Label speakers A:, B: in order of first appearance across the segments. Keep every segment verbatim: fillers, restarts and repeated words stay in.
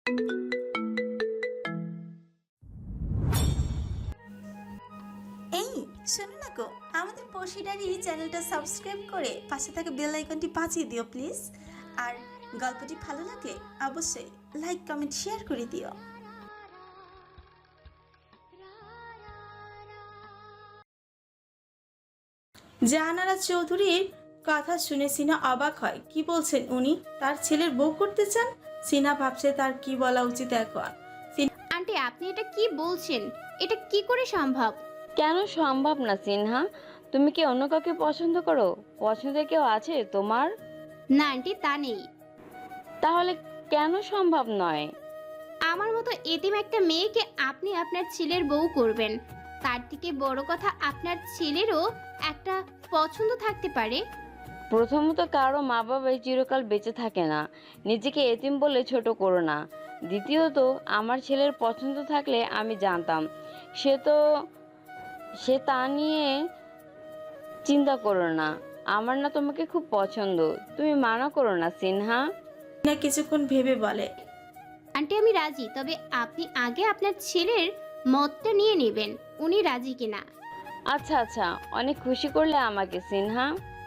A: এই শোনো না গো, আমাদের পশিডারি চ্যানেলটা সাবস্ক্রাইব করে পাশে থাকা বেল আইকনটি বাজিয়ে দিও প্লিজ। আর গল্পটি ভালো লাগলে অবশ্যই লাইক কমেন্ট শেয়ার করে দিও। জাহানারা চৌধুরীর কথা শুনে সিনা অবাক হয়। কি বলছেন উনি? তার ছেলের বউ করতে চান? সিনা ভাবছে তার কি বলা উচিত এখন।
B: আন্টি, আপনি এটা কি বলছেন? এটা কি করে সম্ভব?
C: কেন সম্ভব না সিনহা? তুমি কি অন্য কাউকে পছন্দ করো? পছন্দের কেউ আছে তোমার?
B: না আন্টি, তা নেই।
C: তাহলে কেন সম্ভব নয়?
B: আমার মতো এতিম একটা মেয়েকে আপনি আপনার ছেলের বউ করবেন। তার থেকে বড় কথা, আপনার ছেলেরও একটা পছন্দ থাকতে পারে।
C: প্রথমত, কারো মা বাবাই চিরকাল বেঁচে থাকে না। নিজেকে এতিম বলে ছোট করো না। দ্বিতীয়ত, আমার ছেলের পছন্দ থাকলে আমি জানতাম। সে তো সে তা নিয়ে চিন্তা করো না। আমার না তোমাকে খুব পছন্দ। তুমি মানা করো না সিনহা।
A: সিনা কিছুক্ষণ ভেবে বলে,
B: আন্টি, আমি রাজি, তবে আপনি আগে আপনার ছেলের মতটা নিয়ে নেবেন, উনি রাজি কিনা।
C: আচ্ছা আচ্ছা, অনেক খুশি করলে আমাকে সিনহা।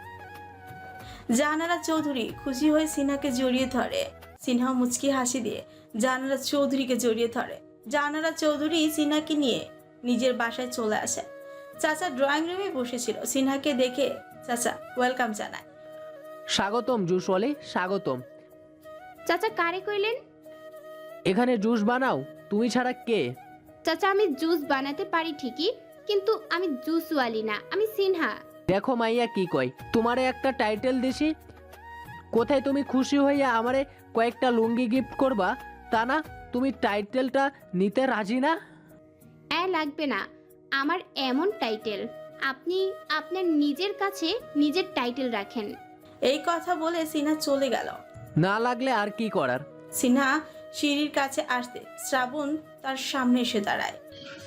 A: জাহানারা চৌধুরী খুশি হয়ে সিনহাকে জড়িয়ে ধরে। সিনহা মুচকি হাসি দিয়ে জাহানারা চৌধুরীকে জড়িয়ে ধরে। জাহানারা চৌধুরী সিনহাকে নিয়ে নিজের বাসায় চলে আসে। চাচা ড্রয়িং রুমে বসেছিল। সিনহাকে দেখে চাচা ওয়েলকাম জানায়।
D: স্বাগতম জুসওয়ালি, স্বাগতম।
B: চাচা, কারে কইলেন?
D: এখানে জুস বানাও, তুমি ছাড়া কে?
B: চাচা, আমি জুস বানাতে পারি ঠিকই, কিন্তু আমি জুসওয়ালি না, আমি সিনহা।
D: দেখো মাইয়া কি কয়, তোমারে একটা টাইটেল দিছি, কোথায় তুমি খুশি হইয়া আমারে কয়েকটা লুঙ্গি গিফট করবা, তা না তুমি টাইটেলটা নিতে রাজি না?
B: এ লাগবে না আমার এমন টাইটেল। আপনি আপনার নিজের কাছে নিজের টাইটেল রাখেন।
A: এই কথা বলে সিনহা চলে গেল।
D: না লাগলে আর কি করার।
A: সিনহা সিঁড়ির কাছে আসতে শ্রাবণ তার সামনে এসে দাঁড়ায়।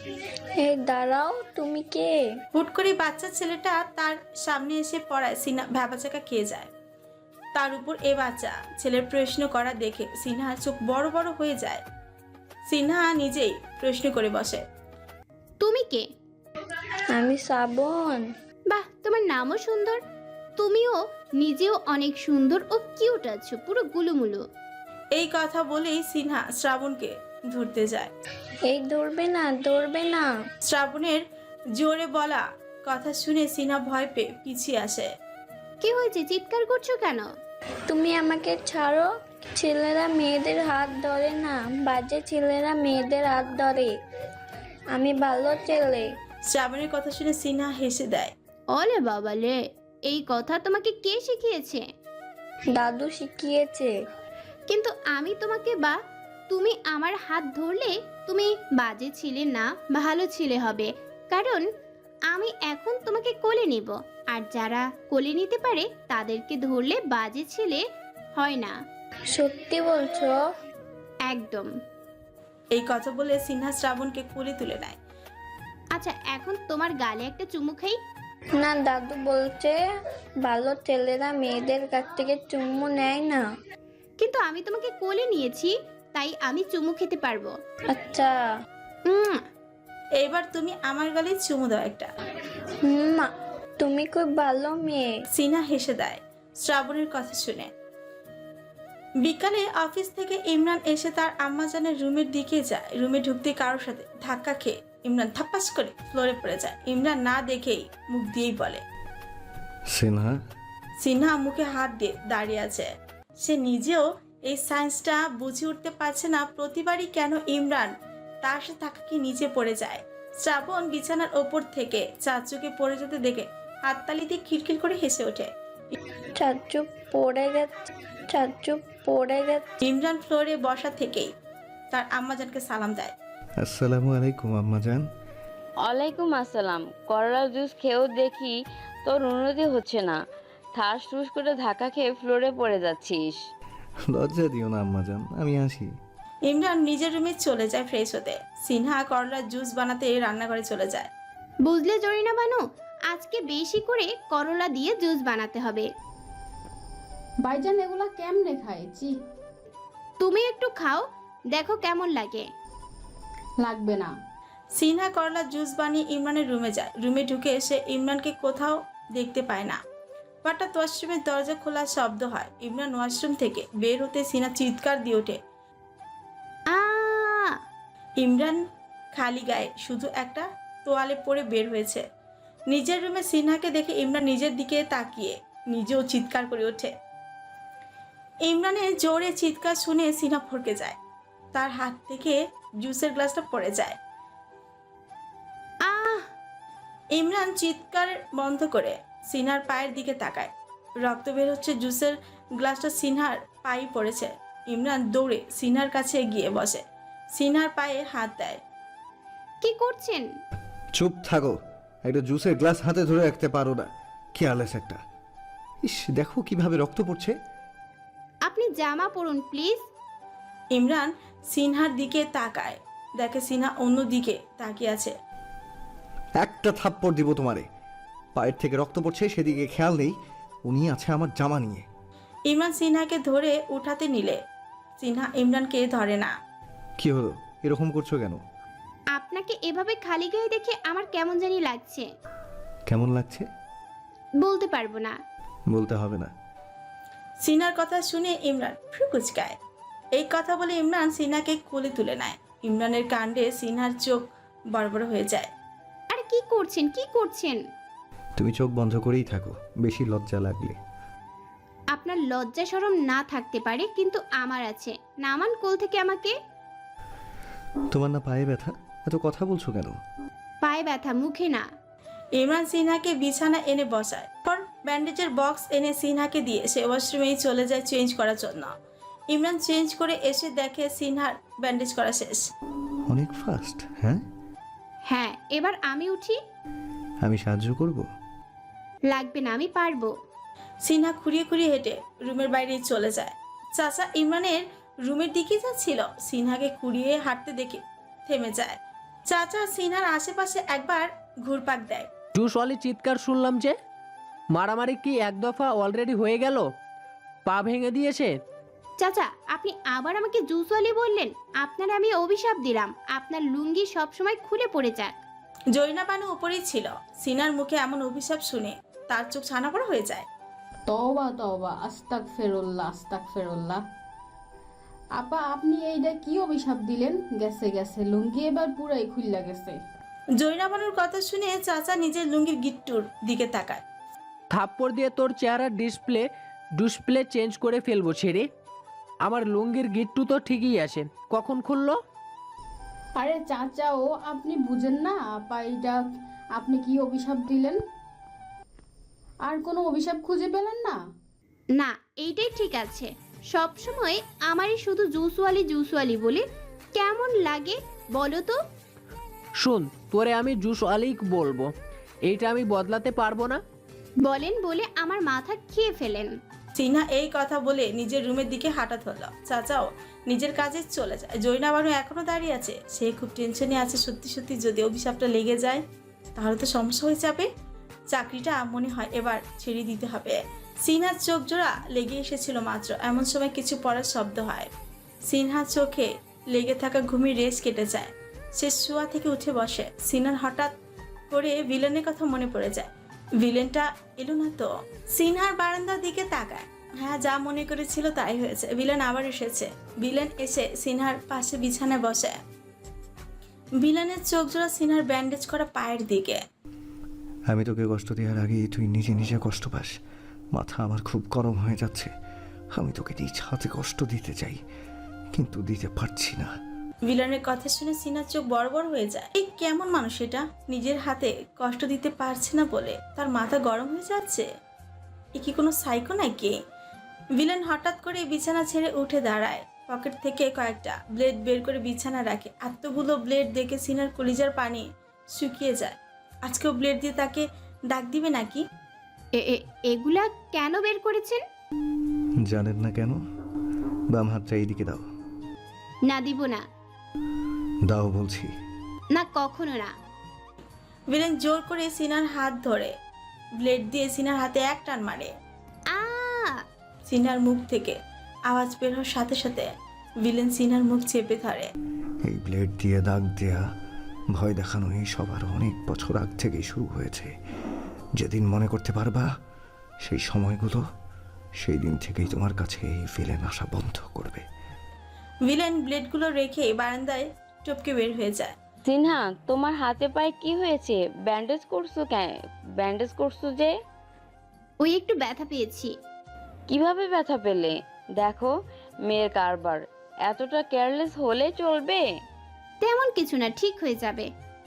E: এই দাঁড়াও, তুমি কে?
A: হুট করে বাচ্চা ছেলেটা তার সামনে এসে পড়ায় সিনহা ভ্যাবাচাকা খেয়ে যায়। তার উপর এ বাচ্চা ছেলের প্রশ্ন করা দেখে সিনহার চোখ বড় বড় হয়ে যায়। সিনহা নিজেই প্রশ্ন করে বসে,
B: তুমি কে?
E: আমি শ্রাবণ।
B: বাহ, তোমার নামও সুন্দর। তুমিও নিজেও অনেক সুন্দর ও কিউট আছো, পুরো গুলুমুলু।
A: এই কথা বলেই সিনহা শ্রাবণকে ধরতে যায়।
E: এই দৌড়বে না, দৌড়বে না।
A: শ্রাবণের জোরে বলা কথা শুনে সিনহা ভয় পেয়ে পিছিয়ে আসে।
B: কি হয়েছে, চিৎকার করছো কেন?
E: তুমি আমাকে ছাড়ো। ছেলেরা মেয়েদের হাত ধরে না, বাজে ছেলেরা মেয়েদের হাত ধরে। আমি ভালো ছেলে।
A: শ্রাবণের কথা শুনে সিনহা হেসে দেয়।
B: ওলে বাবা লে, এই কথা তোমাকে কে শিখিয়েছে?
E: দাদু শিখিয়েছে।
B: কিন্তু আমি তোমাকে বা তুমি আমার হাত ধরলে তুমি বাজে ছিলে না, ভালো ছিলে হবে। কারণ আমি এখন তোমাকে কোলে নিব, আর যারা কোলে নিতে পারে তাদেরকে ধরলে বাজে ছিলে হয় না।
E: সত্যি বলছো?
B: একদম।
A: এই কথা বলে সিনহা শ্রাবণকে কোলে তুলে নেয়।
B: আচ্ছা, এখন তোমার গালে একটা চুমু খাই।
E: না, দাদু বলছে ভালো ছেলেরা মেয়েদের কাছ থেকে চুম্মু নেয় না।
B: কিন্তু আমি তোমাকে কোলে নিয়েছি, তাই আমি চুমু খেতে পারবো।
E: আচ্ছা।
B: উম,
A: এইবার তুমি আমার গালে চুমু দাও একটা।
E: মা, তুমি খুব ভালো মেয়ে।
A: সিনহা হেসে দেয় শ্রাবণের কথা শুনে। বিকালে অফিস থেকে ইমরান এসে তার আম্মাজানের রুমের দিকে যায়। রুমে ঢুকতে কারোর সাথে ধাক্কা খেয়ে ইমরান থাপ্পাস করে ফ্লোরে পড়ে যায়। ইমরান না দেখেই মুখ দিয়েই বলে,
F: সিনহা।
A: সিনহা মুখে হাত দিয়ে দাঁড়িয়ে আছে। সে নিজেও এই সায়েন্সটা বুঝে উঠতে পারছে না প্রতিবারই কেন ইমরান তার সাথে থাকাকে নিচে পড়ে যায়। শ্রাবণ বিছানার ওপর থেকে চাচুকে পড়ে যেতে দেখে হাততালি দিয়ে খিলখিল করে হেসে ওঠে।
E: চাচু পড়ে গেছে, চাচু পড়ে গেছে।
A: ইমরান ফ্লোরে বসা থেকেই তার আম্মাজানকে সালাম দেয়।
F: আসসালামু আলাইকুম আম্মাজান।
C: ওয়ালাইকুম আসসালাম। করলা জুস খেয়েও দেখি তোর উন্নতি হচ্ছে না। ঠাস ঠুস করে ধাক্কা খেয়ে ফ্লোরে পড়ে যাচ্ছিস।
F: লজ্জা দিও না আম্মাজান, আমি আসি।
A: ইমরান নিজের রুমে চলে যায় ফ্রেশ হতে। সিনহা করলার জুস বানাতে রান্নাঘরে চলে যায়।
B: বুঝলে জরিনা বানু, আজকে বেশি করে করলা দিয়ে জুস বানাতে হবে।
G: ভাইজান এগুলা কেমনে খায়? জি,
B: তুমি একটু খাও, দেখো কেমন লাগে।
G: লাগবে না।
A: সিনহা করলা জুস বানিয়ে ইমরানের রুমে যায়। রুমে ঢুকে সে ইমরানকে কোথাও দেখতে পায় না। হঠাৎ ওয়াশরুমের দরজা খোলার শব্দ হয়। ইমরান ওয়াশরুম থেকে বের হতে সিনহা চিৎকার দিয়ে ওঠে।
B: আ
A: ইমরান খালি গায়ে শুধু একটা তোয়ালে পরে বের হয়েছে। নিজের রুমে সিনহাকে দেখে ইমরান নিজের দিকে তাকিয়ে নিজেও চিৎকার করে ওঠে। ইমরানের জোরে চিৎকার শুনে সিনহা ফরকে যায়। তার হাত থেকে জুসের গ্লাসটা পড়ে যায়।
B: আহ
A: ইমরান চিৎকার বন্ধ করে সিনহার পায়ের দিকে তাকায়। রক্ত বের হচ্ছে। জুসের গ্লাসটা সিনহার পায়ে পড়েছে। ইমরান দৌড়ে সিনহার কাছে গিয়ে বসে, সিনহার পায়ে হাত দেয়।
B: কি করছেন?
F: চুপ থাকো, একটা জুসের গ্লাস হাতে ধরে রাখতে পারো না, কেয়ারলেস একটা। ইস, দেখো কিভাবে রক্ত পড়ছে।
B: আপনি জামা পরুন প্লিজ।
A: ইমরান সিনহার দিকে তাকায়, দেখে সিনহা অন্য দিকে তাকিয়ে আছে।
F: একটা থাপ্পড় দিব তোমারে। পায়ের থেকে রক্ত পড়ছে সেদিকে খেয়াল নেই, উনি আছে আমার জামা নিয়ে।
A: ইমরান সিনহাকে ধরে উঠাতে নিলে সিনহা ইমরানকে ধরে না।
F: কি হলো, এরকম করছো কেন?
B: আপনাকে এভাবে খালি গায়ে দেখে আমার কেমন জানি লাগছে।
F: কেমন লাগছে?
B: বলতে পারবো না।
F: বলতে হবে না।
A: সিনহার কথা শুনে ইমরান ভ্রু কুঁচকায়। এই কথা বলে ইমরান সিনহাকে কোলে তুলে নেয়। ইমরানের কাণ্ডে সিনহার চোখ বড় বড় হয়ে যায়।
B: আরে কি করছেন কি করছেন?
F: তুমি চোখ বন্ধ করেই থাকো, বেশি লজ্জা লাগলে।
B: আপনার লজ্জা শরম না থাকতে পারে, কিন্তু আমার আছে। নামান কোল থেকে আমাকে।
F: তোমার না পায়ে ব্যথা, এত কথা বলছো কেন?
B: পায়ে ব্যথা, মুখে না।
A: ইমরান সিনহাকে বিছানা এনে বসায়। পর ব্যান্ডেজের বক্স এনে সিনহাকে দিয়ে সে ওয়াশরুমেই চলে যায় চেঞ্জ করার জন্য। ইমরান চেঞ্জ করে এসে দেখে সিনহার ব্যান্ডেজ করা শেষ।
F: অনেক ফাস্ট। হ্যাঁ,
B: হ্যাঁ, এবার আমি উঠি।
F: আমি সাহায্য করব।
B: লাগবে না, আমি পারবো।
A: সিনহা খুঁড়িয়ে খুঁড়িয়ে হেঁটে রুমের বাইরে চলে যায়। চাচা ইমরানের রুমের দিকে যাচ্ছিল। সিনহাকে খুঁড়িয়ে হাঁটতে দেখে থেমে যায়। চাচা সিনহার আশেপাশে একবার ঘুরপাক দেয়।
D: জুসওয়ালি চিৎকার শুনলাম যে। মারামারি কি এক দফা অলরেডি হয়ে গেল? পা ভেঙে দিয়েছে?
B: চাচা, আপনি আবার আমাকে জুসওয়ালি বললেন। আপনার আমি অভিশাপ দিলাম, আপনার লুঙ্গি সবসময় খুলে পড়ে যাক।
A: জৈনাবানু উপরেই ছিল। সিনহার মুখে এমন অভিশাপ শুনে তার চোখ ছানাপড়া হয়ে যায়।
G: তওবা তওবা, আস্তাক ফেরুল্লাহ, আস্তাক ফেরুল্লাহ। আপা, আপনি এইটা কি অভিশাপ দিলেন? গেছে গেছে, লুঙ্গি এবার পুরাই খুললা গেছে।
A: জৈনাবানুর কথা শুনে চাচা নিজের লুঙ্গির গিট্টুর দিকে তাকায়।
D: থাপ্পড় দিয়ে তোর চেহারার ডিসপ্লে ডিসপ্লে চেঞ্জ করে ফেলবো ছেড়ে। আমার লুঙ্গির গিট্টু তো ঠিকই আছে, কখন খুললো?
G: আরে চাচা, ও আপনি বুঝেন না আপা, এইটা আপনি কি অভিশাপ দিলেন? আর কোনো অভিশাপ খুঁজে পেলেন না?
B: না, এইটাই ঠিক আছে। সব সময় আমারই শুধু জুসওয়ালি জুসওয়ালি বলে কেমন লাগে বলো তো?
D: শুন, তোরে আমি জুসওয়ালি বলবো, এইটা আমি বদলাতে পারবো না।
B: বলেন বলে আমার মাথা খেয়ে ফেলেন।
A: সিনহা এই কথা বলে নিজের রুমের দিকে হাঁটা ধরল। চাচাও নিজের কাজে চলে যায়। জৈনাবানু এখনো দাঁড়িয়ে আছে। সে খুব টেনশনে আছে। সত্যি সত্যি যদি অভিশাপটা লেগে যায় তাহলে তো সমস্যা হয়ে যাবে। চাকরিটা মনে হয় এবার ছেড়ে দিতে হবে। সিনহার চোখ জোড়া লেগে এসেছিল মাত্র, এমন সময় কিছু পড়ার শব্দ হয়। সিনহার চোখে লেগে থাকা ঘুমির রেশ কেটে যায়। সে শোয়া থেকে উঠে বসে। সিনহার হঠাৎ করে ভিলেনের কথা মনে পড়ে যায়। ভিলেনটা এলো না তো। সিনহার বারান্দার দিকে তাকায়। হ্যাঁ, যা মনে করেছিল তাই হয়েছে। ভিলেন আবার এসেছে। ভিলেন এসে সিনহার পাশে বিছানায় বসে। ভিলেনের চোখ জোড়া সিনহার ব্যান্ডেজ করা পায়ের দিকে।
F: আমি তোকে কষ্ট দেওয়ার আগেই তুই নিজে নিজে কষ্ট পাস। মাথা আমার খুব গরম হয়ে যাচ্ছে। আমি তোকে নিজ হাতে কষ্ট দিতে চাই, কিন্তু দিতে পারছি না।
A: ভিলেনের কথা শুনে সিনহার চোখ বড় বড় হয়ে যায়। এই কেমন মানুষ এটা? নিজের হাতে কষ্ট দিতে পারছে না বলে তার মাথা গরম হয়ে যাচ্ছে। এ কি কোনো সাইকো নাকি? ভিলেন হঠাৎ করে বিছানা ছেড়ে উঠে দাঁড়ায়। পকেট থেকে কয়েকটা ব্লেড বের করে বিছানা রাখে। এতগুলো ব্লেড দেখে সিনহার কলিজার পানি শুকিয়ে যায়। আজকেও ব্লেড দিয়ে তাকে ডাক দিবে নাকি?
B: এ- এ- এগুলা কেন বের করেছেন?
F: জানেন না কেন? বাম হাতটা এইদিকে দাও।
B: না, দিব না।
F: দাও বলছি।
B: না, কখনো না।
A: ভিলেন জোর করে সিনহার হাত ধরে ব্লেড দিয়ে সিনহার হাতে এক টান মারে।
B: আ
A: সিনহার মুখ থেকে আওয়াজ বের হওয়ার সাথে সাথে ভিলেন সিনহার মুখ চেপে ধরে।
F: এই ব্লেড দিয়ে দাগ দেয়া, ভয় দেখানো এই সবার অনেক বছর আগ থেকেই শুরু হয়েছে। যেদিন মনে করতে পারবা সেই সময়গুলো, সেই দিন থেকেই তোমার কাছে এই ভিলেন আসা বন্ধ করবে।
A: ভিলেন ব্লেডগুলো রেখে বারান্দায় টপকে বের হয়ে যায়।
C: সিনহা, তোমার হাতে পায়ে কি হয়েছে? ব্যান্ডেজ করছো কেন? ব্যান্ডেজ করছো যে?
B: ওই একটু ব্যথা পেয়েছি।
C: কিভাবে ব্যথা পেলে? দেখো, মেয়ের কারবার, এতটা কেয়ারলেস হলে চলবে?
B: তেমন কিছু না, ঠিক হয়ে যাবে।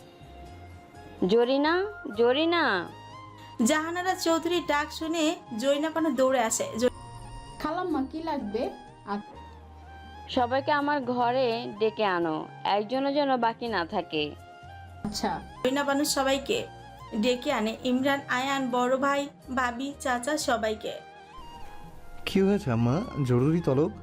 C: জরিনা, জরিনা।
A: জাহানারা চৌধুরীর ডাক শুনে জরিনা বানু দৌড়ে আসে।
G: খালাম্মা কি লাগবে? আর
C: সবাইকে আমার ঘরে ডেকে আনো, একজনও যেন বাকি না থাকে।
G: আচ্ছা।
A: জরিনা বানু সবাইকে ডেকে আনে, ইমরান, আয়ান, বড় ভাই, ভাবি, চাচা সবাইকে।
F: কি হয়েছে আম্মা, জরুরি তলব?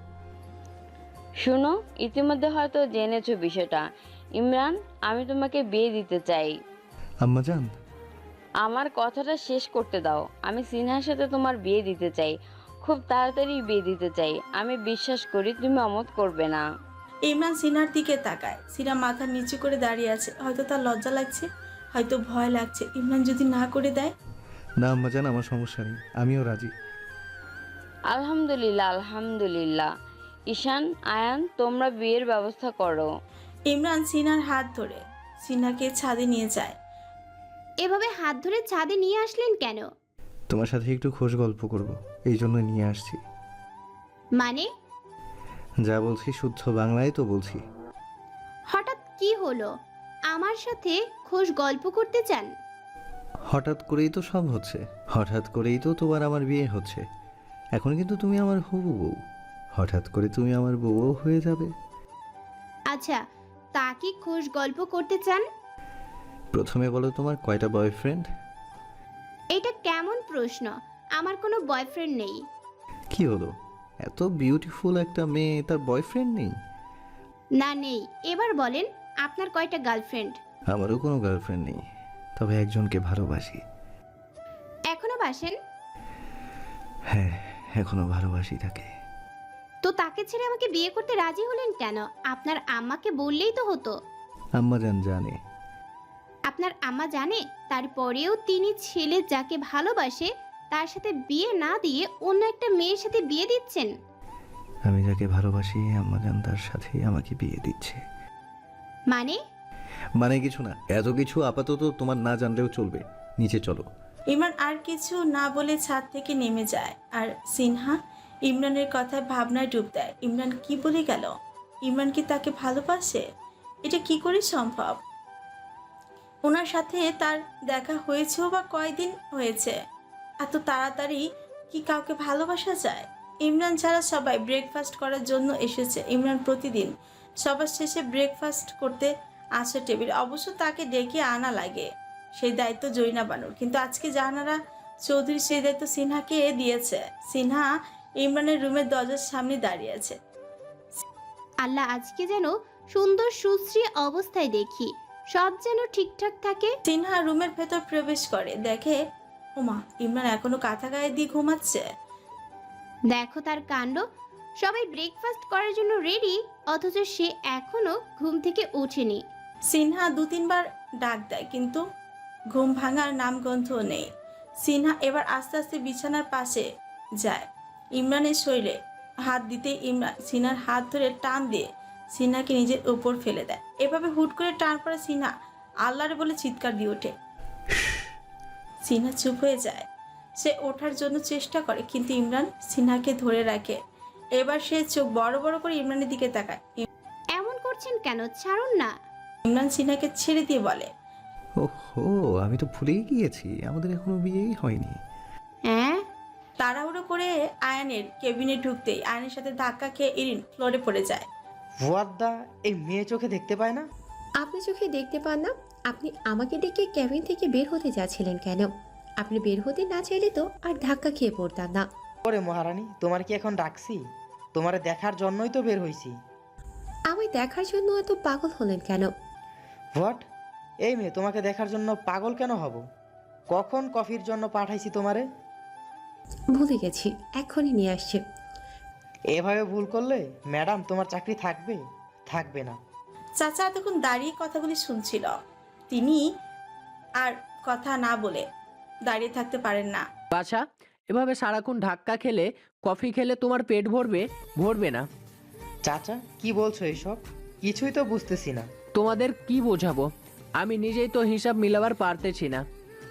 C: শুনো, ইতিমধ্যে হয়তো জেনেছো বিষয়টা। ইমরান, আমি তোমাকে বিয়ে দিতে চাই।
F: আম্মা জান,
C: আমার কথাটা শেষ করতে দাও। আমি সিনহার সাথে তোমার বিয়ে দিতে চাই, খুব তাড়াতাড়ি বিয়ে দিতে চাই। আমি বিশ্বাস করি তুমি অমত করবে না।
A: ইমরান সিনহার দিকে তাকায়। সিনহা মাথা নিচু করে দাঁড়িয়ে আছে। হয়তো তার লজ্জা লাগছে, হয়তো ভয় লাগছে। ইমরান যদি না করে দেয়?
F: না আম্মা জান, আমার সমস্যা নেই, আমিও রাজি।
C: আলহামদুলিল্লাহ, আলহামদুলিল্লাহ। ঈশান, আয়ান, তোমরা বিয়ের ব্যবস্থা করো।
A: ইমরান সিনহার হাত ধরে সিনহাকে ছাদে নিয়ে যায়।
B: এভাবে হাত ধরে ছাদে নিয়ে আসলেন কেন?
F: তোমার সাথে একটু খোশ গল্প করব, এই জন্য নিয়ে আসছি।
B: মানে?
F: যা বলছি শুদ্ধ বাংলায় তো বলছি।
B: হঠাৎ কি হলো? আমার সাথে খোশ গল্প করতে চান?
F: হঠাৎ করেই তো সব হচ্ছে, হঠাৎ করেই তো তোমার আমার বিয়ে হচ্ছে। এখন কিন্তু তুমি আমার হবু বউ, হঠাৎ করে তুমি আমার বউও হয়ে যাবে।
B: আচ্ছা, তা কি খোশ গল্প করতে চান?
F: প্রথমে বলো, তোমার কয়টা বয়ফ্রেন্ড?
B: এটা কেমন প্রশ্ন? আমার কোনো বয়ফ্রেন্ড নেই।
F: কি হলো, এত বিউটিফুল একটা মেয়ে, তার বয়ফ্রেন্ড নেই?
B: না, নেই। এবার বলেন, আপনার কয়টা গার্লফ্রেন্ড?
F: আমারও কোনো গার্লফ্রেন্ড নেই, তবে একজনকে ভালোবাসি।
B: এখনো বাসেন?
F: হ্যাঁ, এখনো ভালোবাসি তাকে।
B: তো তাকে ছেড়ে আমাকে বিয়ে করতে রাজি হলেন কেন? আপনার আম্মাকে বললেই তো হতো।
F: আম্মা জান জানে।
B: আপনার আম্মা জানে? তারপরেও তিনি ছেলে যাকে ভালোবাসে তার সাথে বিয়ে না দিয়ে অন্য একটা মেয়ের সাথে বিয়ে দিচ্ছেন।
F: আমি যাকে ভালোবাসি আম্মা জান তার সাথেই আমাকে বিয়ে দিচ্ছে।
B: মানে?
F: মানে কিছু না, এত কিছু আপাতত তোমার না জানলেও চলবে। নিচে চলো।
A: ইমরান আর কিছু না বলে ছাদ থেকে নেমে যায়। আর সিনহা ইমরানের কথায় ভাবনায় ডুব দেয়। ইমরান কি বলে গেল? ইমরান কি তাকে ভালোবাসে? এটা কি করে সম্ভব? ওনার সাথে তার দেখা হয়েছেও বা কয়দিন হয়েছে? এত তাড়াতাড়ি কি কাউকে ভালোবাসা যায়? ইমরান ছাড়া সবাই ব্রেকফাস্ট করার জন্য এসেছে। ইমরান প্রতিদিন সবার শেষে ব্রেকফাস্ট করতে আসে টেবিল। অবশ্য তাকে ডেকে আনা লাগে, সেই দায়িত্ব জরিনা বানুর। কিন্তু আজকে জাহানারা চৌধুরী সেই দায়িত্ব সিনহাকে দিয়েছে। সিনহা ইমরানের রুমের দরজার সামনে দাঁড়িয়ে আছে।
B: আল্লাহ, আজকে যেন সুন্দর সুশ্রী অবস্থায় দেখি, সব যেন ঠিকঠাক থাকে।
A: সিনহা রুমের ভেতর প্রবেশ করে, দেখে ওমা, ইমরান এখনো কাঁথা গায়ে দিয়ে ঘুমাচ্ছে।
B: দেখো তার কাণ্ড, সবাই ব্রেকফাস্ট করার জন্য রেডি, অথচ সে এখনো ঘুম থেকে ওঠেনি।
A: সিনহা দু তিনবার ডাক দেয়, কিন্তু ঘুম ভাঙার নামগন্ধ নেই। সিনহা এবার আস্তে আস্তে বিছানার পাশে যায়। ইমরানের শরীরে হাত দিতে ইমরান সিনহার হাত ধরে টান দিয়ে সিনহাকে নিজের উপর ফেলে দেয়। এভাবে হুট করে টান পড়ে সিনহা আল্লাহরে বলে চিৎকার দিয়ে ওঠে। সিনহা চুপ হয়ে যায়। সে ওঠার জন্য চেষ্টা করে, কিন্তু ইমরান সিনহাকে ধরে রাখে। এবার সে চোখ বড় বড় করে ইমরানের দিকে তাকায়।
B: এমন করছেন কেন? ছাড়ুন না।
A: ইমরান সিনহাকে ছেড়ে দিয়ে বলে,
F: ওহো, আমি তো ভুলেই গিয়েছি, আমাদের এখনো বিয়েই হয়নি।
B: হ্যাঁ?
A: তাড়াহুড়ো করে আয়ানের কেবিনে ঢুকতেই আয়নের সাথে ধাক্কা খেয়ে ইরিন ফ্লোরে পড়ে যায়।
H: ওয়াদ্দা, এই মেয়ে চোখে দেখতে পায় না?
I: আপনি চোখে দেখতে পান না? আপনি আমাকে ডেকে ক্যাবিন থেকে বের হতে যাচ্ছিলেন কেন? আপনি বের হতে না চাইলে তো আর ধাক্কা খেয়ে পড়তাম না।
H: ওরে মহারানী, তোমার কি এখন ডাকছি? তোমারে দেখার জন্যই তো বের হইছি।
I: আমায় দেখার জন্য এত পাগল হলেন কেন?
H: হোয়াট? এই মেয়ে, তোমাকে দেখার জন্য পাগল কেন হব? কখন কফির জন্য পাঠাইছি তোমারে?
I: ভুলে গেছি, এক্ষুনি নিয়ে আসছে।
H: এভাবে ভুল করলে ম্যাডাম তোমার চাকরি থাকবে থাকবে না।
A: চাচা এতক্ষণ দাঁড়িয়ে কথাগুলি শুনছিল। তিনি আর কথা না বলে দাঁড়িয়ে থাকতে পারেন না।
D: বাছা, এভাবে সারাক্ষণ ধাক্কা খেলে, কফি খেলে তোমার পেট ভরবে? ভরবে না।
H: চাচা কি বলছো এসব? কিছুই তো বুঝতেছি না।
D: তোমাদের কি বোঝাবো? আমি নিজেই তো হিসাব মিলাবার পারতেছি না।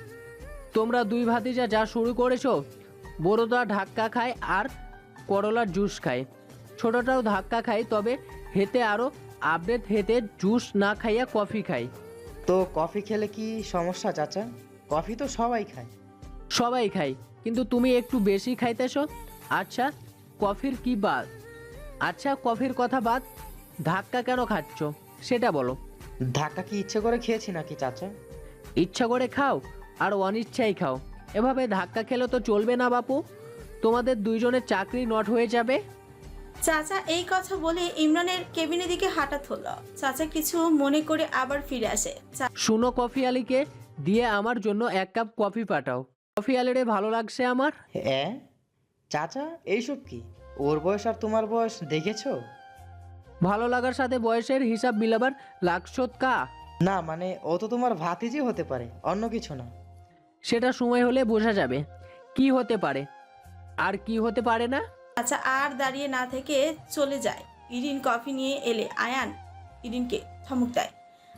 D: তোমরা দুই ভাতিজা যা শুরু করেছো, বড়টা ধাক্কা খায় আর করলার জুস খায়, ছোটটাও ধাক্কা খায়, তবে হেতে আরও আপডেট, হেতে জুস না খাইয়া কফি খায়।
H: তো কফি খেলে কি সমস্যা চাচা? কফি তো সবাই খায়।
D: সবাই খায়, কিন্তু তুমি একটু বেশি খাইতেছো। আচ্ছা কফির কি বাদ? আচ্ছা কফির কথা বাদ, ধাক্কা কেন খাচ্ছ সেটা বলো।
H: ধাক্কা কি ইচ্ছে করে খেয়েছি নাকি চাচা?
D: ইচ্ছা করে খাও আর অনিচ্ছাই খাও, এভাবে ধাক্কা খেলে তো চলবে না বাপু, তোমাদের দুইজনের চাকরি নট হয়ে যাবে।
A: চাচা এই কথা বলে ইমরানের কেবিনের দিকে হাঁটা ধরল। চাচা কিছু মনে করে আবার ফিরে আসে। চা-
D: শুনো, কফি আলীকে দিয়ে আমার জন্য এক কাপ কফি পাঠাও। কফি আলীরে ভালো লাগছে আমার।
H: হ্যাঁ চাচা, এইসব কি? ওর বয়স আর তোমার বয়স দেখেছো?
D: ভালো লাগার সাথে বয়সের হিসাব মিলাবার লাগছত কা?
H: না মানে ও তো তোমার ভাতিজি হতে পারে, অন্য কিছু না।
D: সেটা সময় হলে বোঝা যাবে কি হতে পারে আর কি হতে পারে না।
A: চাচা আর দাঁড়িয়ে না থেকে চলে যায়। ইরিন কফি নিয়ে এলে আয়ান ইরিনকে ধমক দেয়।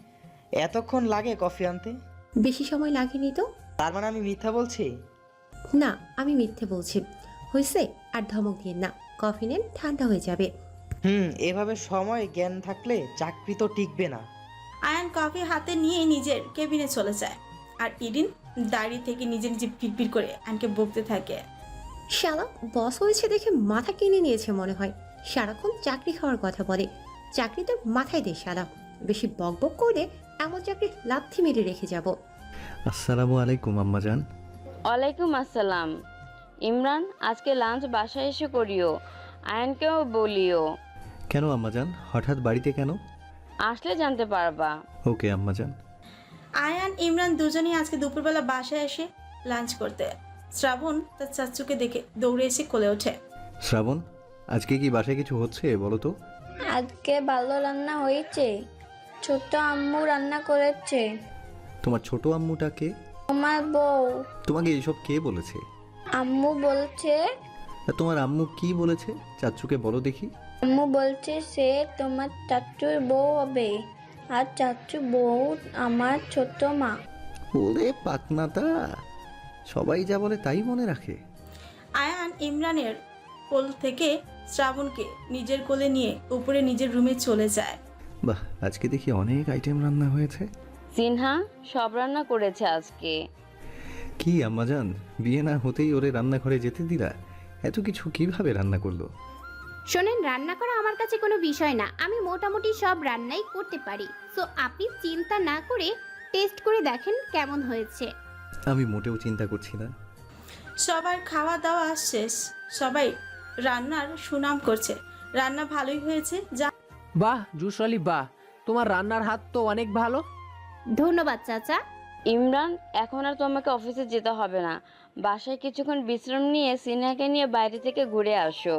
H: এতক্ষণ লাগে কফি আনতে?
I: বেশি সময় লাগেনি তো।
H: তার মানে আমি মিথ্যা বলছি?
I: না, আমি মিথ্যে বলছি। হয়েছে, আর ধমক দিয়ে না। কফি নেন, ঠান্ডা হয়ে যাবে।
H: হুম, এভাবে সময় জ্ঞান থাকলে চাকরি তো টিকবে না।
A: আয়ান কফি হাতে নিয়ে নিজের কেবিনে চলে যায়। আর ইরিন দাঁড়িয়ে থেকে নিজে নিজে পিটপিট করে আয়ানকে বকতে থাকে।
I: শালা বস হয়েছে দেখে মাথা কিনে নিয়েছে মনে হয়। সারাক্ষণ চাকরি খাওয়ার কথা বলে। চাকরি তো মাথায় দে শালা। বেশি বকবক করে এমন চাকরি লাথি মেরে রেখে যাব।
F: আসসালামু আলাইকুম আম্মাজান।
C: ওয়ালাইকুম আসসালাম। ইমরান, আজকে লাঞ্চ বাসায় এসে করিও, আয়নকেও বলিও।
F: কেন আম্মাজান, হঠাৎ বাড়িতে কেন?
C: আসলে জানতে পারবা।
F: ওকে আম্মাজান।
A: আয়ান ইমরান দুজনেই আজকে দুপুরবেলা বাসায় এসে লাঞ্চ করতে। শ্রাবণ তার চাচুকে দেখে দৌড়ে এসে কোলে ওঠে।
F: শ্রাবণ, আজকে কি বাসায় কিছু হচ্ছে বলো তো?
E: আজকে ভালো রান্না হয়েছে। ছোট আম্মু রান্না করেছে।
F: তোমার ছোট আম্মুটাকে?
E: আমার বউ।
F: তোমাকে এইসব কে বলেছে?
E: আম্মু বলছে।
F: আর তোমার আম্মু কি বলেছে? চাচ্চুকে বলো দেখি।
E: আম্মু বলছে সে তোমার চাচুর বউ হবে, আর চাচু বউ আমার ছোট মা।
F: ওরে পাকনাটা, সবাই যা বলে তাই মনে রাখে।
A: আয়ান ইমরানের কোল থেকে শ্রাবণকে নিজের কোলে নিয়ে উপরে নিজের রুমে চলে যায়।
F: বাহ, আজকে দেখি অনেক আইটেম রান্না হয়েছে।
C: সিনহা সব রান্না করেছে আজকে।
F: কি আম্মাজান, বিয়ে না হতেই ওরে রান্নাঘরে যেতে দিলা? এত কিছু কিভাবে রান্না করলো?
B: শোনেন, রান্না করা আমার কাছে কোনো বিষয় না। আমি মোটামুটি সব রান্নাই করতে পারি। সো আপনি চিন্তা না করে টেস্ট করে দেখেন কেমন হয়েছে।
F: আমি মোটেও চিন্তা করছি না।
A: সবার খাওয়া দাওয়া শেষ। সবাই রান্নার সুনাম করছে। রান্না ভালোই হয়েছে। যা
D: বাহ জুসলি, বাহ, তোমার রান্নার হাত তো অনেক ভালো।
B: ধন্যবাদ চাচা।
C: ইমরান, এখন আর তোমাকে অফিসে যেতে হবে না। বাসায় কিছুক্ষণ বিশ্রাম নিয়ে সিনহাকে নিয়ে বাইরে থেকে ঘুরে আসো।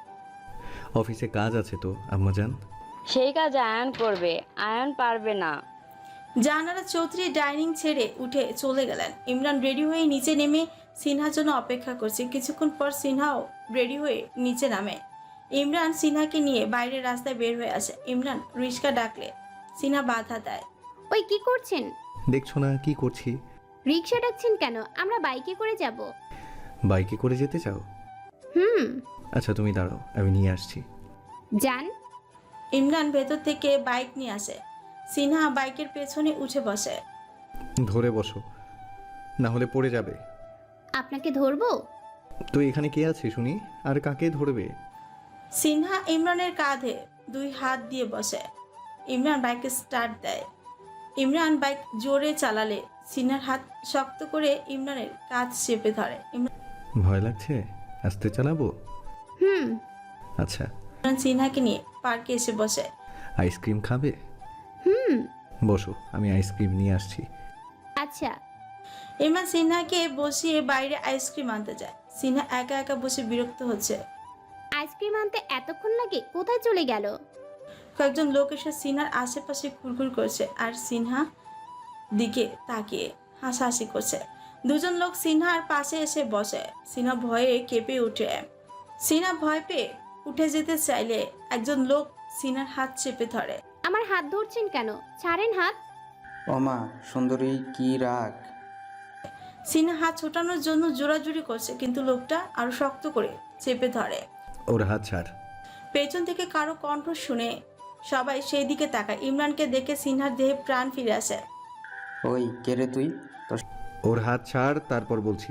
F: অফিসে কাজ আছে তো আম্মাজান।
C: সেই কাজ আয়ন করবে, আয়ন পারবে না।
A: জানারা চৌধুরী ডাইনিং ছেড়ে উঠে চলে গেলেন। ইমরান রেডি হয়ে নিচে নেমে সিনহার জন্য অপেক্ষা করছে। কিছুক্ষণ পর সিনহাও রেডি হয়ে নিচে নামে। ইমরান সিনহাকে নিয়ে বাইরের রাস্তায় বের হয়ে আসে। ইমরান রিস্কা ডাকলে সিনহা বাধা দেয়।
B: ওই কি করছেন?
F: দেখছো না কি করছি?
B: রিক্সা ডাকছেন কেন? আমরা বাইকে করে যাব।
F: বাইকে করে যেতে চাও?
B: হুম।
F: আচ্ছা তুমি দাঁড়াও, আমি নিয়ে আসছি।
B: যান।
A: ইমরান ভেতর থেকে বাইক নিয়ে আসে। সিনহা বাইকের পেছনে উঠে বসে।
F: ধরে বসো, না হলে পড়ে যাবে।
B: আপনাকে ধরবো?
F: তো এখানে কে আছে শুনি, আর কাকে ধরবে?
A: সিনহা ইমরানের কাঁধে দুই হাত দিয়ে বসে। ইমরান বাইকে স্টার্ট দেয়। ইমরান বাইক জোরে চালালে সিনহার হাত শক্ত করে ইমরানের কাঁধ চেপে ধরে।
F: ভয় লাগছে? আস্তে চালাবো?
B: হুম।
F: আচ্ছা।
A: ইমরান সিনহাকে নিয়ে পার্কে এসে বসে।
F: আইসক্রিম খাবে?
B: হুম।
F: বসো, আমি আইসক্রিম নিয়ে আসছি।
B: আচ্ছা।
A: ইমরান সিনহাকে বসিয়ে বাইরে আইসক্রিম আনতে যায়। সিনহা একা একা বসে বিরক্ত হচ্ছে।
B: আইসক্রিম আনতে এতক্ষণ লাগে, কোথায় চলে গেল?
A: কয়েকজন লোক এসে সিনহার আশেপাশে ঘুরঘুর করছে আর সিনহা দিকে তাকিয়ে হাসাহাসি করছে। দুজন লোক সিনহার পাশে এসে বসে। সিনহা ভয়ে কেঁপে উঠে সিনহা ভয় পেয়ে উঠে যেতে চাইলে একজন লোক সিনহার হাত চেপে ধরে।
B: আমার হাত ধরছেন কেন? ছাড়েন হাত।
J: ওমা সুন্দরী, কি রাগ!
A: সিনহা হাত ছোটানোর জন্য জোরাজুরি করছে, কিন্তু লোকটা আরো শক্ত করে চেপে ধরে।
F: ওর হাত ছাড়।
A: পেছন থেকে কারো কণ্ঠ শুনে সবাই সেই দিকে তাকায়। ইমরানকে দেখে সিনহার দেহে প্রাণ ফিরে আসে।
J: ওই কে রে তুই? তোর
F: ওর হাত ছাড়, তারপর বলছি।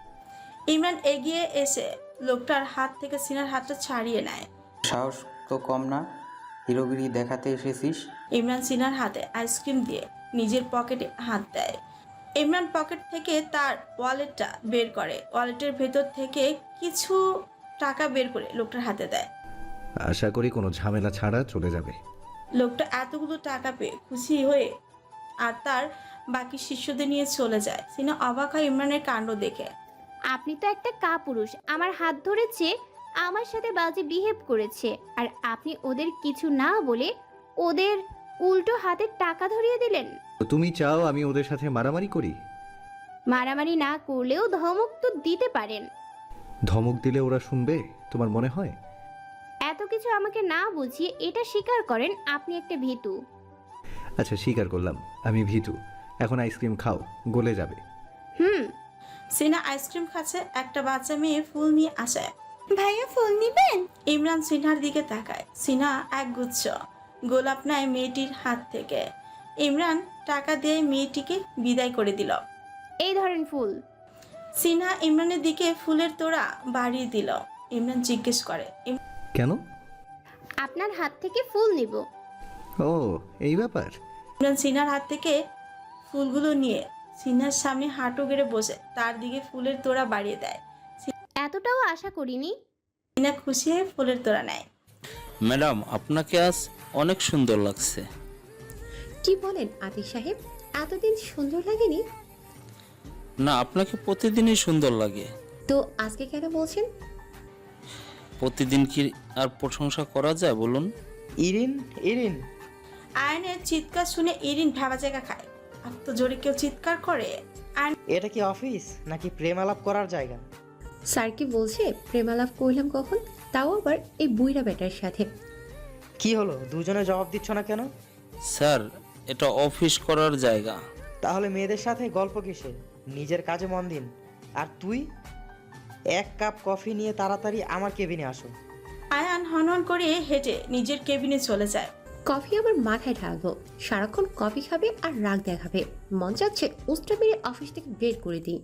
A: ইমরান এগিয়ে এসে লোকটার হাত থেকে সিনহার হাতটা ছাড়িয়ে নেয়।
J: সাহস তো কম না, হিরোগিরি দেখাতে এসেছিস?
A: ইমরান সিনহার হাতে আইসক্রিম দিয়ে নিজের পকেটে হাত দেয়। ইমরান পকেট থেকে তার ওয়ালেটটা বের করে, ওয়ালেটের ভেতর থেকে কিছু টাকা বের করে লোকটার হাতে দেয়।
F: আশা করি কোনো ঝামেলা ছাড়া চলে যাবে।
A: লোকটা এতগুলো টাকা পেয়ে খুশি হয়ে আর তার বাকি শিষ্যদের নিয়ে চলে যায়। সিনহা অবাক হয় ইমরানের কাণ্ড দেখে।
B: আপনি তো একটা কাপুরুষ, আমার হাত ধরেছে, আমার সাথে বাজে বিহেভ করেছে, আর আপনি ওদের কিছু না বলে ওদের উল্টো হাতের টাকা ধরিয়ে দিলেন।
F: তো তুমি চাও আমি ওদের সাথে মারামারি করি?
B: মারামারি না করলেও ধমক তো দিতে পারেন।
F: ধমক দিলে ওরা শুনবে তোমার মনে হয়?
B: এত কিছু আমাকে না বুঝিয়ে এটা স্বীকার করেন আপনি একটা ভীতু।
F: আচ্ছা স্বীকার করলাম আমি ভীতু। এখন আইসক্রিম খাও, গলে যাবে।
B: হুম।
A: সিনহা আইসক্রিম খাচ্ছে, একটা বাচ্চা মেয়ে ফুল নিয়ে আসে। ভাইয়া ফুল নিবেন? ইমরান সিনহার দিকে তাকায়। সিনহা এক গুচ্ছ গোলাপ নেয় মেয়েটির হাত থেকে। ইমরান টাকা দিয়ে মেয়েটিকে বিদায় করে দিল।
B: এই ধরেন ফুল।
A: সিনহা ইমরানের দিকে ফুলের তোড়া বাড়িয়ে দিল। ইমরান জিজ্ঞেস করে,
F: কেন?
B: আপনার হাত থেকে ফুল নিব।
F: ও এই ব্যাপার।
A: ইমরান সিনহার হাত থেকে ফুলগুলো নিয়ে সিনহার সামনে হাঁটু গেড়ে বসে তার দিকে ফুলের তোড়া বাড়িয়ে দেয়।
B: এতটাও আশা করিনি।
A: সিনহা খুশি হয়ে ফুলের তোড়া নেয়।
K: ম্যাডাম, আপনাকে আজ অনেক সুন্দর লাগছে।
I: কি বলেন আতিক সাহেব, এতদিন সুন্দর লাগেনি?
K: না, আপনাকে প্রতিদিনই সুন্দর লাগে।
I: তো আজকে কেন বলছেন?
K: প্রতিদিন কি আর প্রশংসা করা যায় বলুন?
H: ইরিন, ইরিন,
A: আয়নের চিৎকার শুনে ইরিন ভাবা জায়গা খায়। এত জোরে কেউ চিৎকার করে?
H: এটা কি অফিস নাকি প্রেম আলাপ করার জায়গা?
I: স্যার কি বলছে প্রেমালাপ করলাম কখন, তাও আবার এই বুইরা বেটার সাথে?
H: কি হলো, দুজনে জবাব দিচ্ছ না কেন?
K: স্যার, এটা অফিস করার জায়গা।
H: তাহলে মেয়েদের সাথে গল্প কিসে? নিজের কাজে মন দিন। আর তুই এক কাপ কফি নিয়ে তাড়াতাড়ি আমার কেবিনে আসো।
A: আয়ান হনহন করে হেঁটে নিজের কেবিনে চলে যায়।
I: কফি আবার মাথায় ঢালবো, সারাক্ষণ কফি খাবে আর রাগ দেখাবে। মন চাচ্ছে উস্টা মেরে অফিস থেকে বের করে দিই।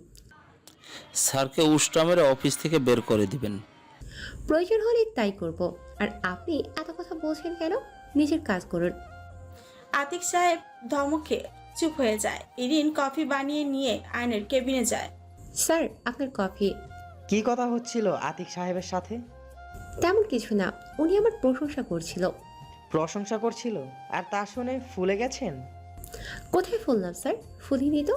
K: স্যারকে উষ্টা মেরে অফিস থেকে বের করে দিবেন?
I: প্রয়োজন হলে তাই করব। আর আপনি এত কথা বলছেন কেন? নিজের কাজ করুন।
A: আতিক সাহেব ধমকে চুপ হয়ে যায়। ইরিন কফি বানিয়ে নিয়ে আয়নের কেবিনে যায়।
I: স্যার আপনার কফি।
H: কি কথা হচ্ছিল আতিক সাহেবের সাথে?
I: তেমন কিছু না, উনি আমার প্রশংসা করছিল।
H: প্রশংসা করছিল আর তা শুনে ফুলে গেছেন?
I: কোথায় ফুললাম স্যার, ফুলিনি তো।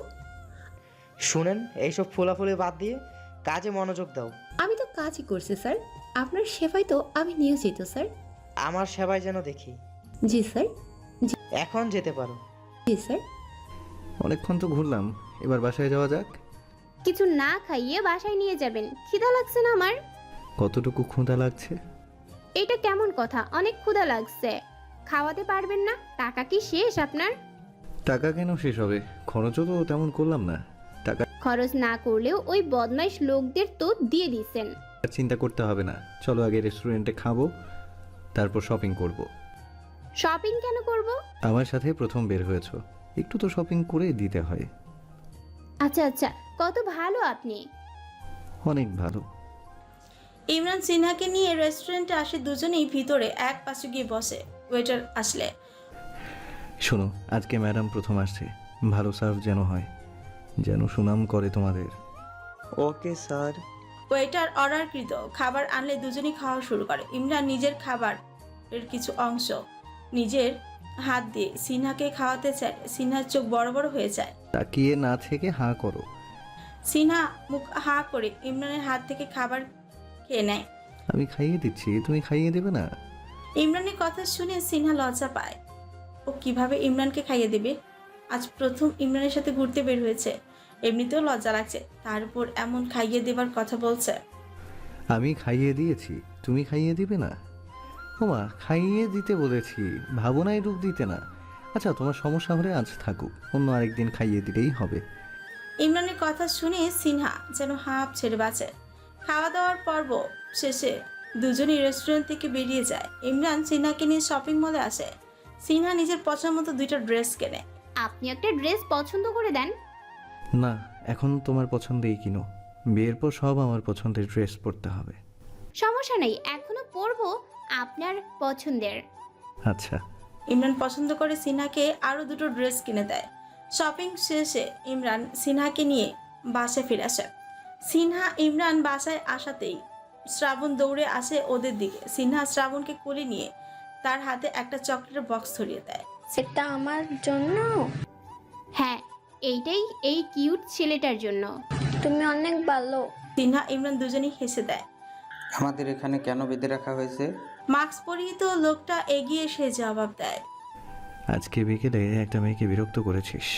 H: শুনেন, এইসব ফুলাফুলি বাদ দিয়ে কাজে মনোযোগ দাও।
I: আমি তো কাজই করছি স্যার, আপনার সেবায় তো আমি নিয়োজিত স্যার।
H: আমার সেবায় যেন দেখি।
I: জি স্যার।
H: এখন যেতে পারো।
I: জি স্যার।
F: অনেকক্ষণ তো ঘুরলাম, এবার বাসায় যাওয়া যাক।
B: কিছু না খাইয়ে বাসায় নিয়ে যাবেন, খিদা লাগছে না আমার।
F: কতটুকু ক্ষুধা লাগছে?
B: এটা কেমন কথা, অনেক ক্ষুধা লাগছে। খাওয়াতে পারবেন না? টাকা কি শেষ আপনার?
F: টাকা কেন শেষ হবে, খরচও তো তেমন করলাম না। টাকা
B: খরচ না করলেও ওই বদমাইশ লোকদের তো দিয়ে দিছেন।
F: চিন্তা করতে হবে না, চলো আগে রেস্টুরেন্টে খাবো, তারপর শপিং করব।
B: শপিং কেন করব?
F: আমার সাথে প্রথম বের হয়েছো, একটু তো শপিং করে দিতে হয়।
B: আচ্ছা আচ্ছা, কত ভালো আপনি।
F: অনেক ভালো।
A: ইমরান সিনহাকে নিয়ে রেস্টুরেন্টে আসে। দুজনেই ভিতরে এক পাশে গিয়ে বসে। ওয়েটার আসলে,
F: শোনো, আজকে ম্যাডাম প্রথম আসছে, ভালো সার্ভ যেন হয়, যেন সুনাম করে তোমাদের।
H: Okay sir.
A: ওয়েটার অর্ডারকৃত খাবার আনলে দুজনেই খাওয়া শুরু করে। ইমরান নিজের খাবার এর কিছু অংশ নিজের হাত দিয়ে সিনহাকে খাওয়াতে চায়। সিনহার চোখ বড় বড় হয়ে যায়।
F: তাকিয়ে না থেকে হাঁ করো।
A: সিনহা মুখ হা করে ইমরানের হাত থেকে খাবার খেয়ে নেয়।
F: আমি খাইয়ে দিচ্ছি, তুমি খাইয়ে দেবে না?
A: ইমরানের কথা শুনে সিনহা লজ্জা পায়। ও কিভাবে ইমরানকে খাইয়ে দেবে? আজ প্রথম ইমরানের সাথে ঘুরতে বের হয়েছে, এমনিতেও লজ্জা লাগছে, তার উপর এমন খাইয়ে দেবার কথা বলছে।
F: আমি খাইয়ে দিয়েছি, তুমি খাইয়ে দিবে না? ওমা, খাইয়ে দিতে বলেছি, ভাবনায় রূপ দিতে না। আচ্ছা, তোমার সমস্যা হলে আজ থাকুক, অন্য আরেকদিন খাইয়ে দিলেই হবে।
A: ইমরানের কথা শুনে সিনহা যেন হাঁপ ছেড়ে বাঁচে। খাওয়া দাওয়ার পর্ব শেষে দুজনই রেস্টুরেন্ট থেকে বেরিয়ে যায়। ইমরান সিনহাকে নিয়ে শপিং মলে আসে। সিনহা নিজের পছন্দ মতো দুইটা ড্রেস কেনে।
B: আপনি একটা ড্রেস পছন্দ করে দেন।
F: না, এখন তোমার পছন্দেই কিনো, বিয়ের পর সব আমার পছন্দের ড্রেস পরতে হবে।
B: সমস্যা নেই, এখনো পরবো আপনার পছন্দের।
F: আচ্ছা।
A: ইমরান পছন্দ করে সিনহাকে আরও দুটো ড্রেস কিনে দেয়। শপিং শেষে ইমরান সিনহাকে নিয়ে বাসায় ফিরে আসে। সিনহা ইমরান বাসায় আসাতেই শ্রাবণ দৌড়ে আসে ওদের দিকে। সিনহা শ্রাবণকে কোলে নিয়ে তার হাতে একটা চকলেটের বক্স ধরিয়ে দেয়।
E: সেটা আমার জন্য।
B: হ্যাঁ, এইটাই এই কিউট ছেলেটার জন্য।
E: তুমি অনেক ভালো।
A: সিনহা ইমরান দুজনেই হেসে দেয়।
J: আমাদের এখানে কেন বেঁধে রাখা হয়েছে?
A: মাস্ক পরিহিত লোকটা এগিয়ে এসে জবাব দেয়।
F: আজকে বিকেলে একটা মেয়েকে বিরক্ত করেছিস,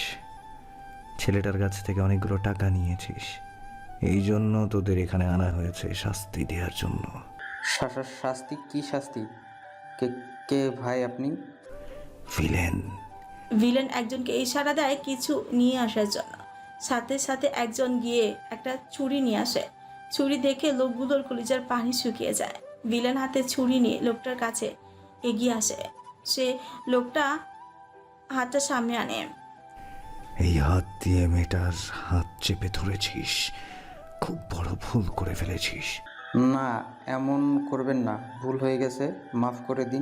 F: ছেলেটার কাছ থেকে অনেকগুলো টাকা নিয়েছিস, এই জন্য তোদের এখানে আনা হয়েছে শাস্তি দেওয়ার জন্য।
J: শা- শাস্তি? কি শাস্তি? কে কে ভাই আপনি?
F: ভিলেন।
A: ভিলেন একজনকে ইশারা দেয় কিছু নিয়ে আসার জন্য। সাথে সাথে একজন গিয়ে একটা ছুরি নিয়ে আসে। ছুরি দেখে লোকগুলোর কলিজার পানি শুকিয়ে যায়। ভিলেন হাতে ছুরি নিয়ে লোকটার কাছে এগিয়ে আসে। সে লোকটা হাতটা সামনে আনে।
F: এই হাত দিয়ে মেয়েটার হাত চেপে ধরেছিস, খুব বড় ভুল করে ফেলেছিস।
J: না, এমন করবেন না, ভুল হয়ে গেছে, মাফ করে দিন।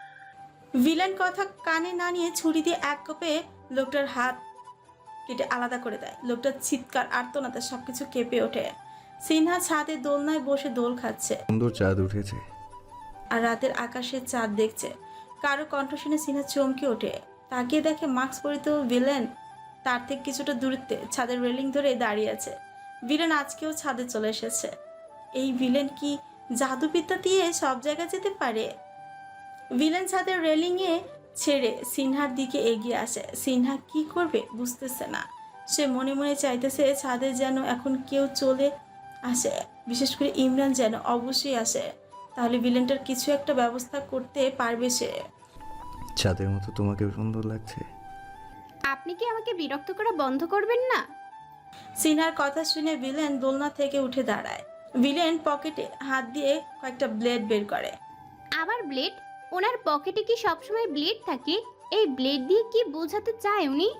A: ভিলেন কথা কানে না নিয়ে ছুরি দিয়ে এক কোপে লোকটার হাত কেটে আলাদা করে দেয়। লোকটার চিৎকার আর্তনাতে সবকিছু কেঁপে ওঠে। সিনহা ছাদে দোলনায় বসে দোল খাচ্ছে
F: সুন্দর চাঁদ উঠেছে।
A: আর রাতের আকাশে চাঁদ দেখছে। কারো কণ্ঠ শুনে সিনহা চমকে ওঠে। তাকিয়ে দেখে মাস্ক পরিত ভিলেন তার থেকে কিছুটা দূরত্বে ছাদের রেলিং ধরে দাঁড়িয়ে আছে। ভিলেন আজকেও ছাদে চলে এসেছে। এই ভিলেন কি জাদুবিদ্যা দিয়ে সব জায়গায় যেতে পারে? ভিলেন ছাদের রেলিংয়ে ছেড়ে সিনহার দিকে এগিয়ে আসে। সিনহা কি করবে বুঝতেছে না। সে মনে মনে চাইতেছে ছাদে যেন এখন কেউ চলে আসে, বিশেষ করে ইমরান যেন অবশ্যই আসে, তাহলে ভিলেনটার কিছু একটা ব্যবস্থা করতে পারবে সে।
F: চাঁদের মতো তোমাকেও সুন্দর লাগছে।
B: আপনি কি আমাকে বিরক্ত করা বন্ধ করবেন না?
A: সিনহার কথা শুনে ভিলেন দোলনা থেকে উঠে দাঁড়ায়। ভিলেন পকেটে হাত দিয়ে কয়েকটা ব্লেড বের করে।
B: আবার ব্লেড? ওনার পকেটে কি সবসময় ব্লেড থাকে? এই ব্লেড দিয়ে কি বোঝাতে চায় উনি?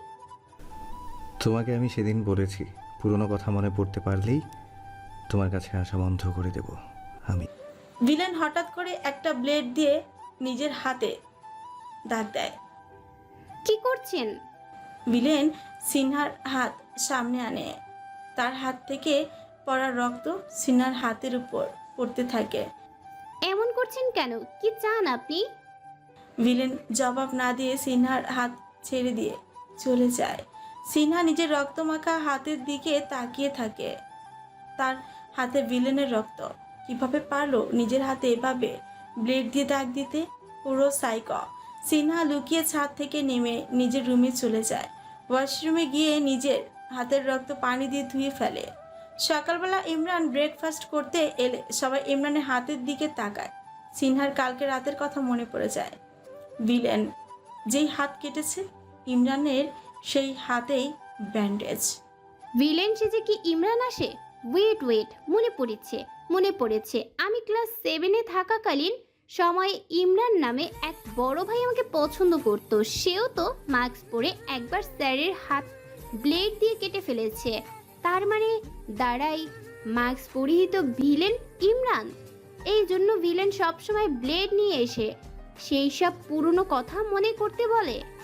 F: তোমাকে আমি সেদিন বলেছি, পুরনো কথা মনে পড়তে পারলেই তোমার কাছে আসা বন্ধ করে দেব আমি।
A: ভিলেন হঠাৎ করে একটা ব্লেড দিয়ে নিজের হাতে দাগ দেয়।
B: কি করছেন?
A: ভিলেন সিনহার হাত সামনে আনে। তার হাত থেকে পড়া রক্ত সিনহার হাতের উপর পড়তে থাকে।
B: এমন করছেন কেন? কি চান আপনি?
A: ভিলেন জবাব না দিয়ে সিনহার হাত ছেড়ে দিয়ে চলে যায়। সিনহা নিজের রক্তমাখা হাতের দিকে তাকিয়ে থাকে। তার হাতে ভিলেনের রক্ত। কিভাবে পারলো নিজের হাতে এভাবে ব্লেড দিয়ে দাগ দিতে? পুরো সাইক। সিনহা লুকিয়ে ছাদ থেকে নেমে নিজের রুমে চলে যায়। ওয়াশরুমে গিয়ে নিজের হাতের রক্ত পানি দিয়ে ধুয়ে ফেলে। সকালবেলা ইমরান ব্রেকফাস্ট করতে এলে সবাই ইমরানের হাতের দিকে তাকায়। সিনহার কালকে রাতের কথা মনে পড়ে যায়। ভিলেন যেই হাত কেটেছে ইমরানের সেই হাতেই ব্যান্ডেজ।
B: ভিলেন সেজে কি ইমরান আসে? ওয়েট ওয়েট মনে পড়েছে মনে পড়েছে আমি ক্লাস সেভেনে থাকাকালীন সময় ইমরান নামে এক বড় ভাই আমাকে পছন্দ করতো। সেও তো মাস্ক পরে একবার স্যারের হাত ব্লেড দিয়ে কেটে ফেলেছে। তার মানে দাঁড়াই মাস্ক পরিহিত ভিলেন ইমরান। এই জন্য ভিলেন সবসময় ব্লেড নিয়ে এসে সেই সব পুরনো কথা মনে করতে বলে।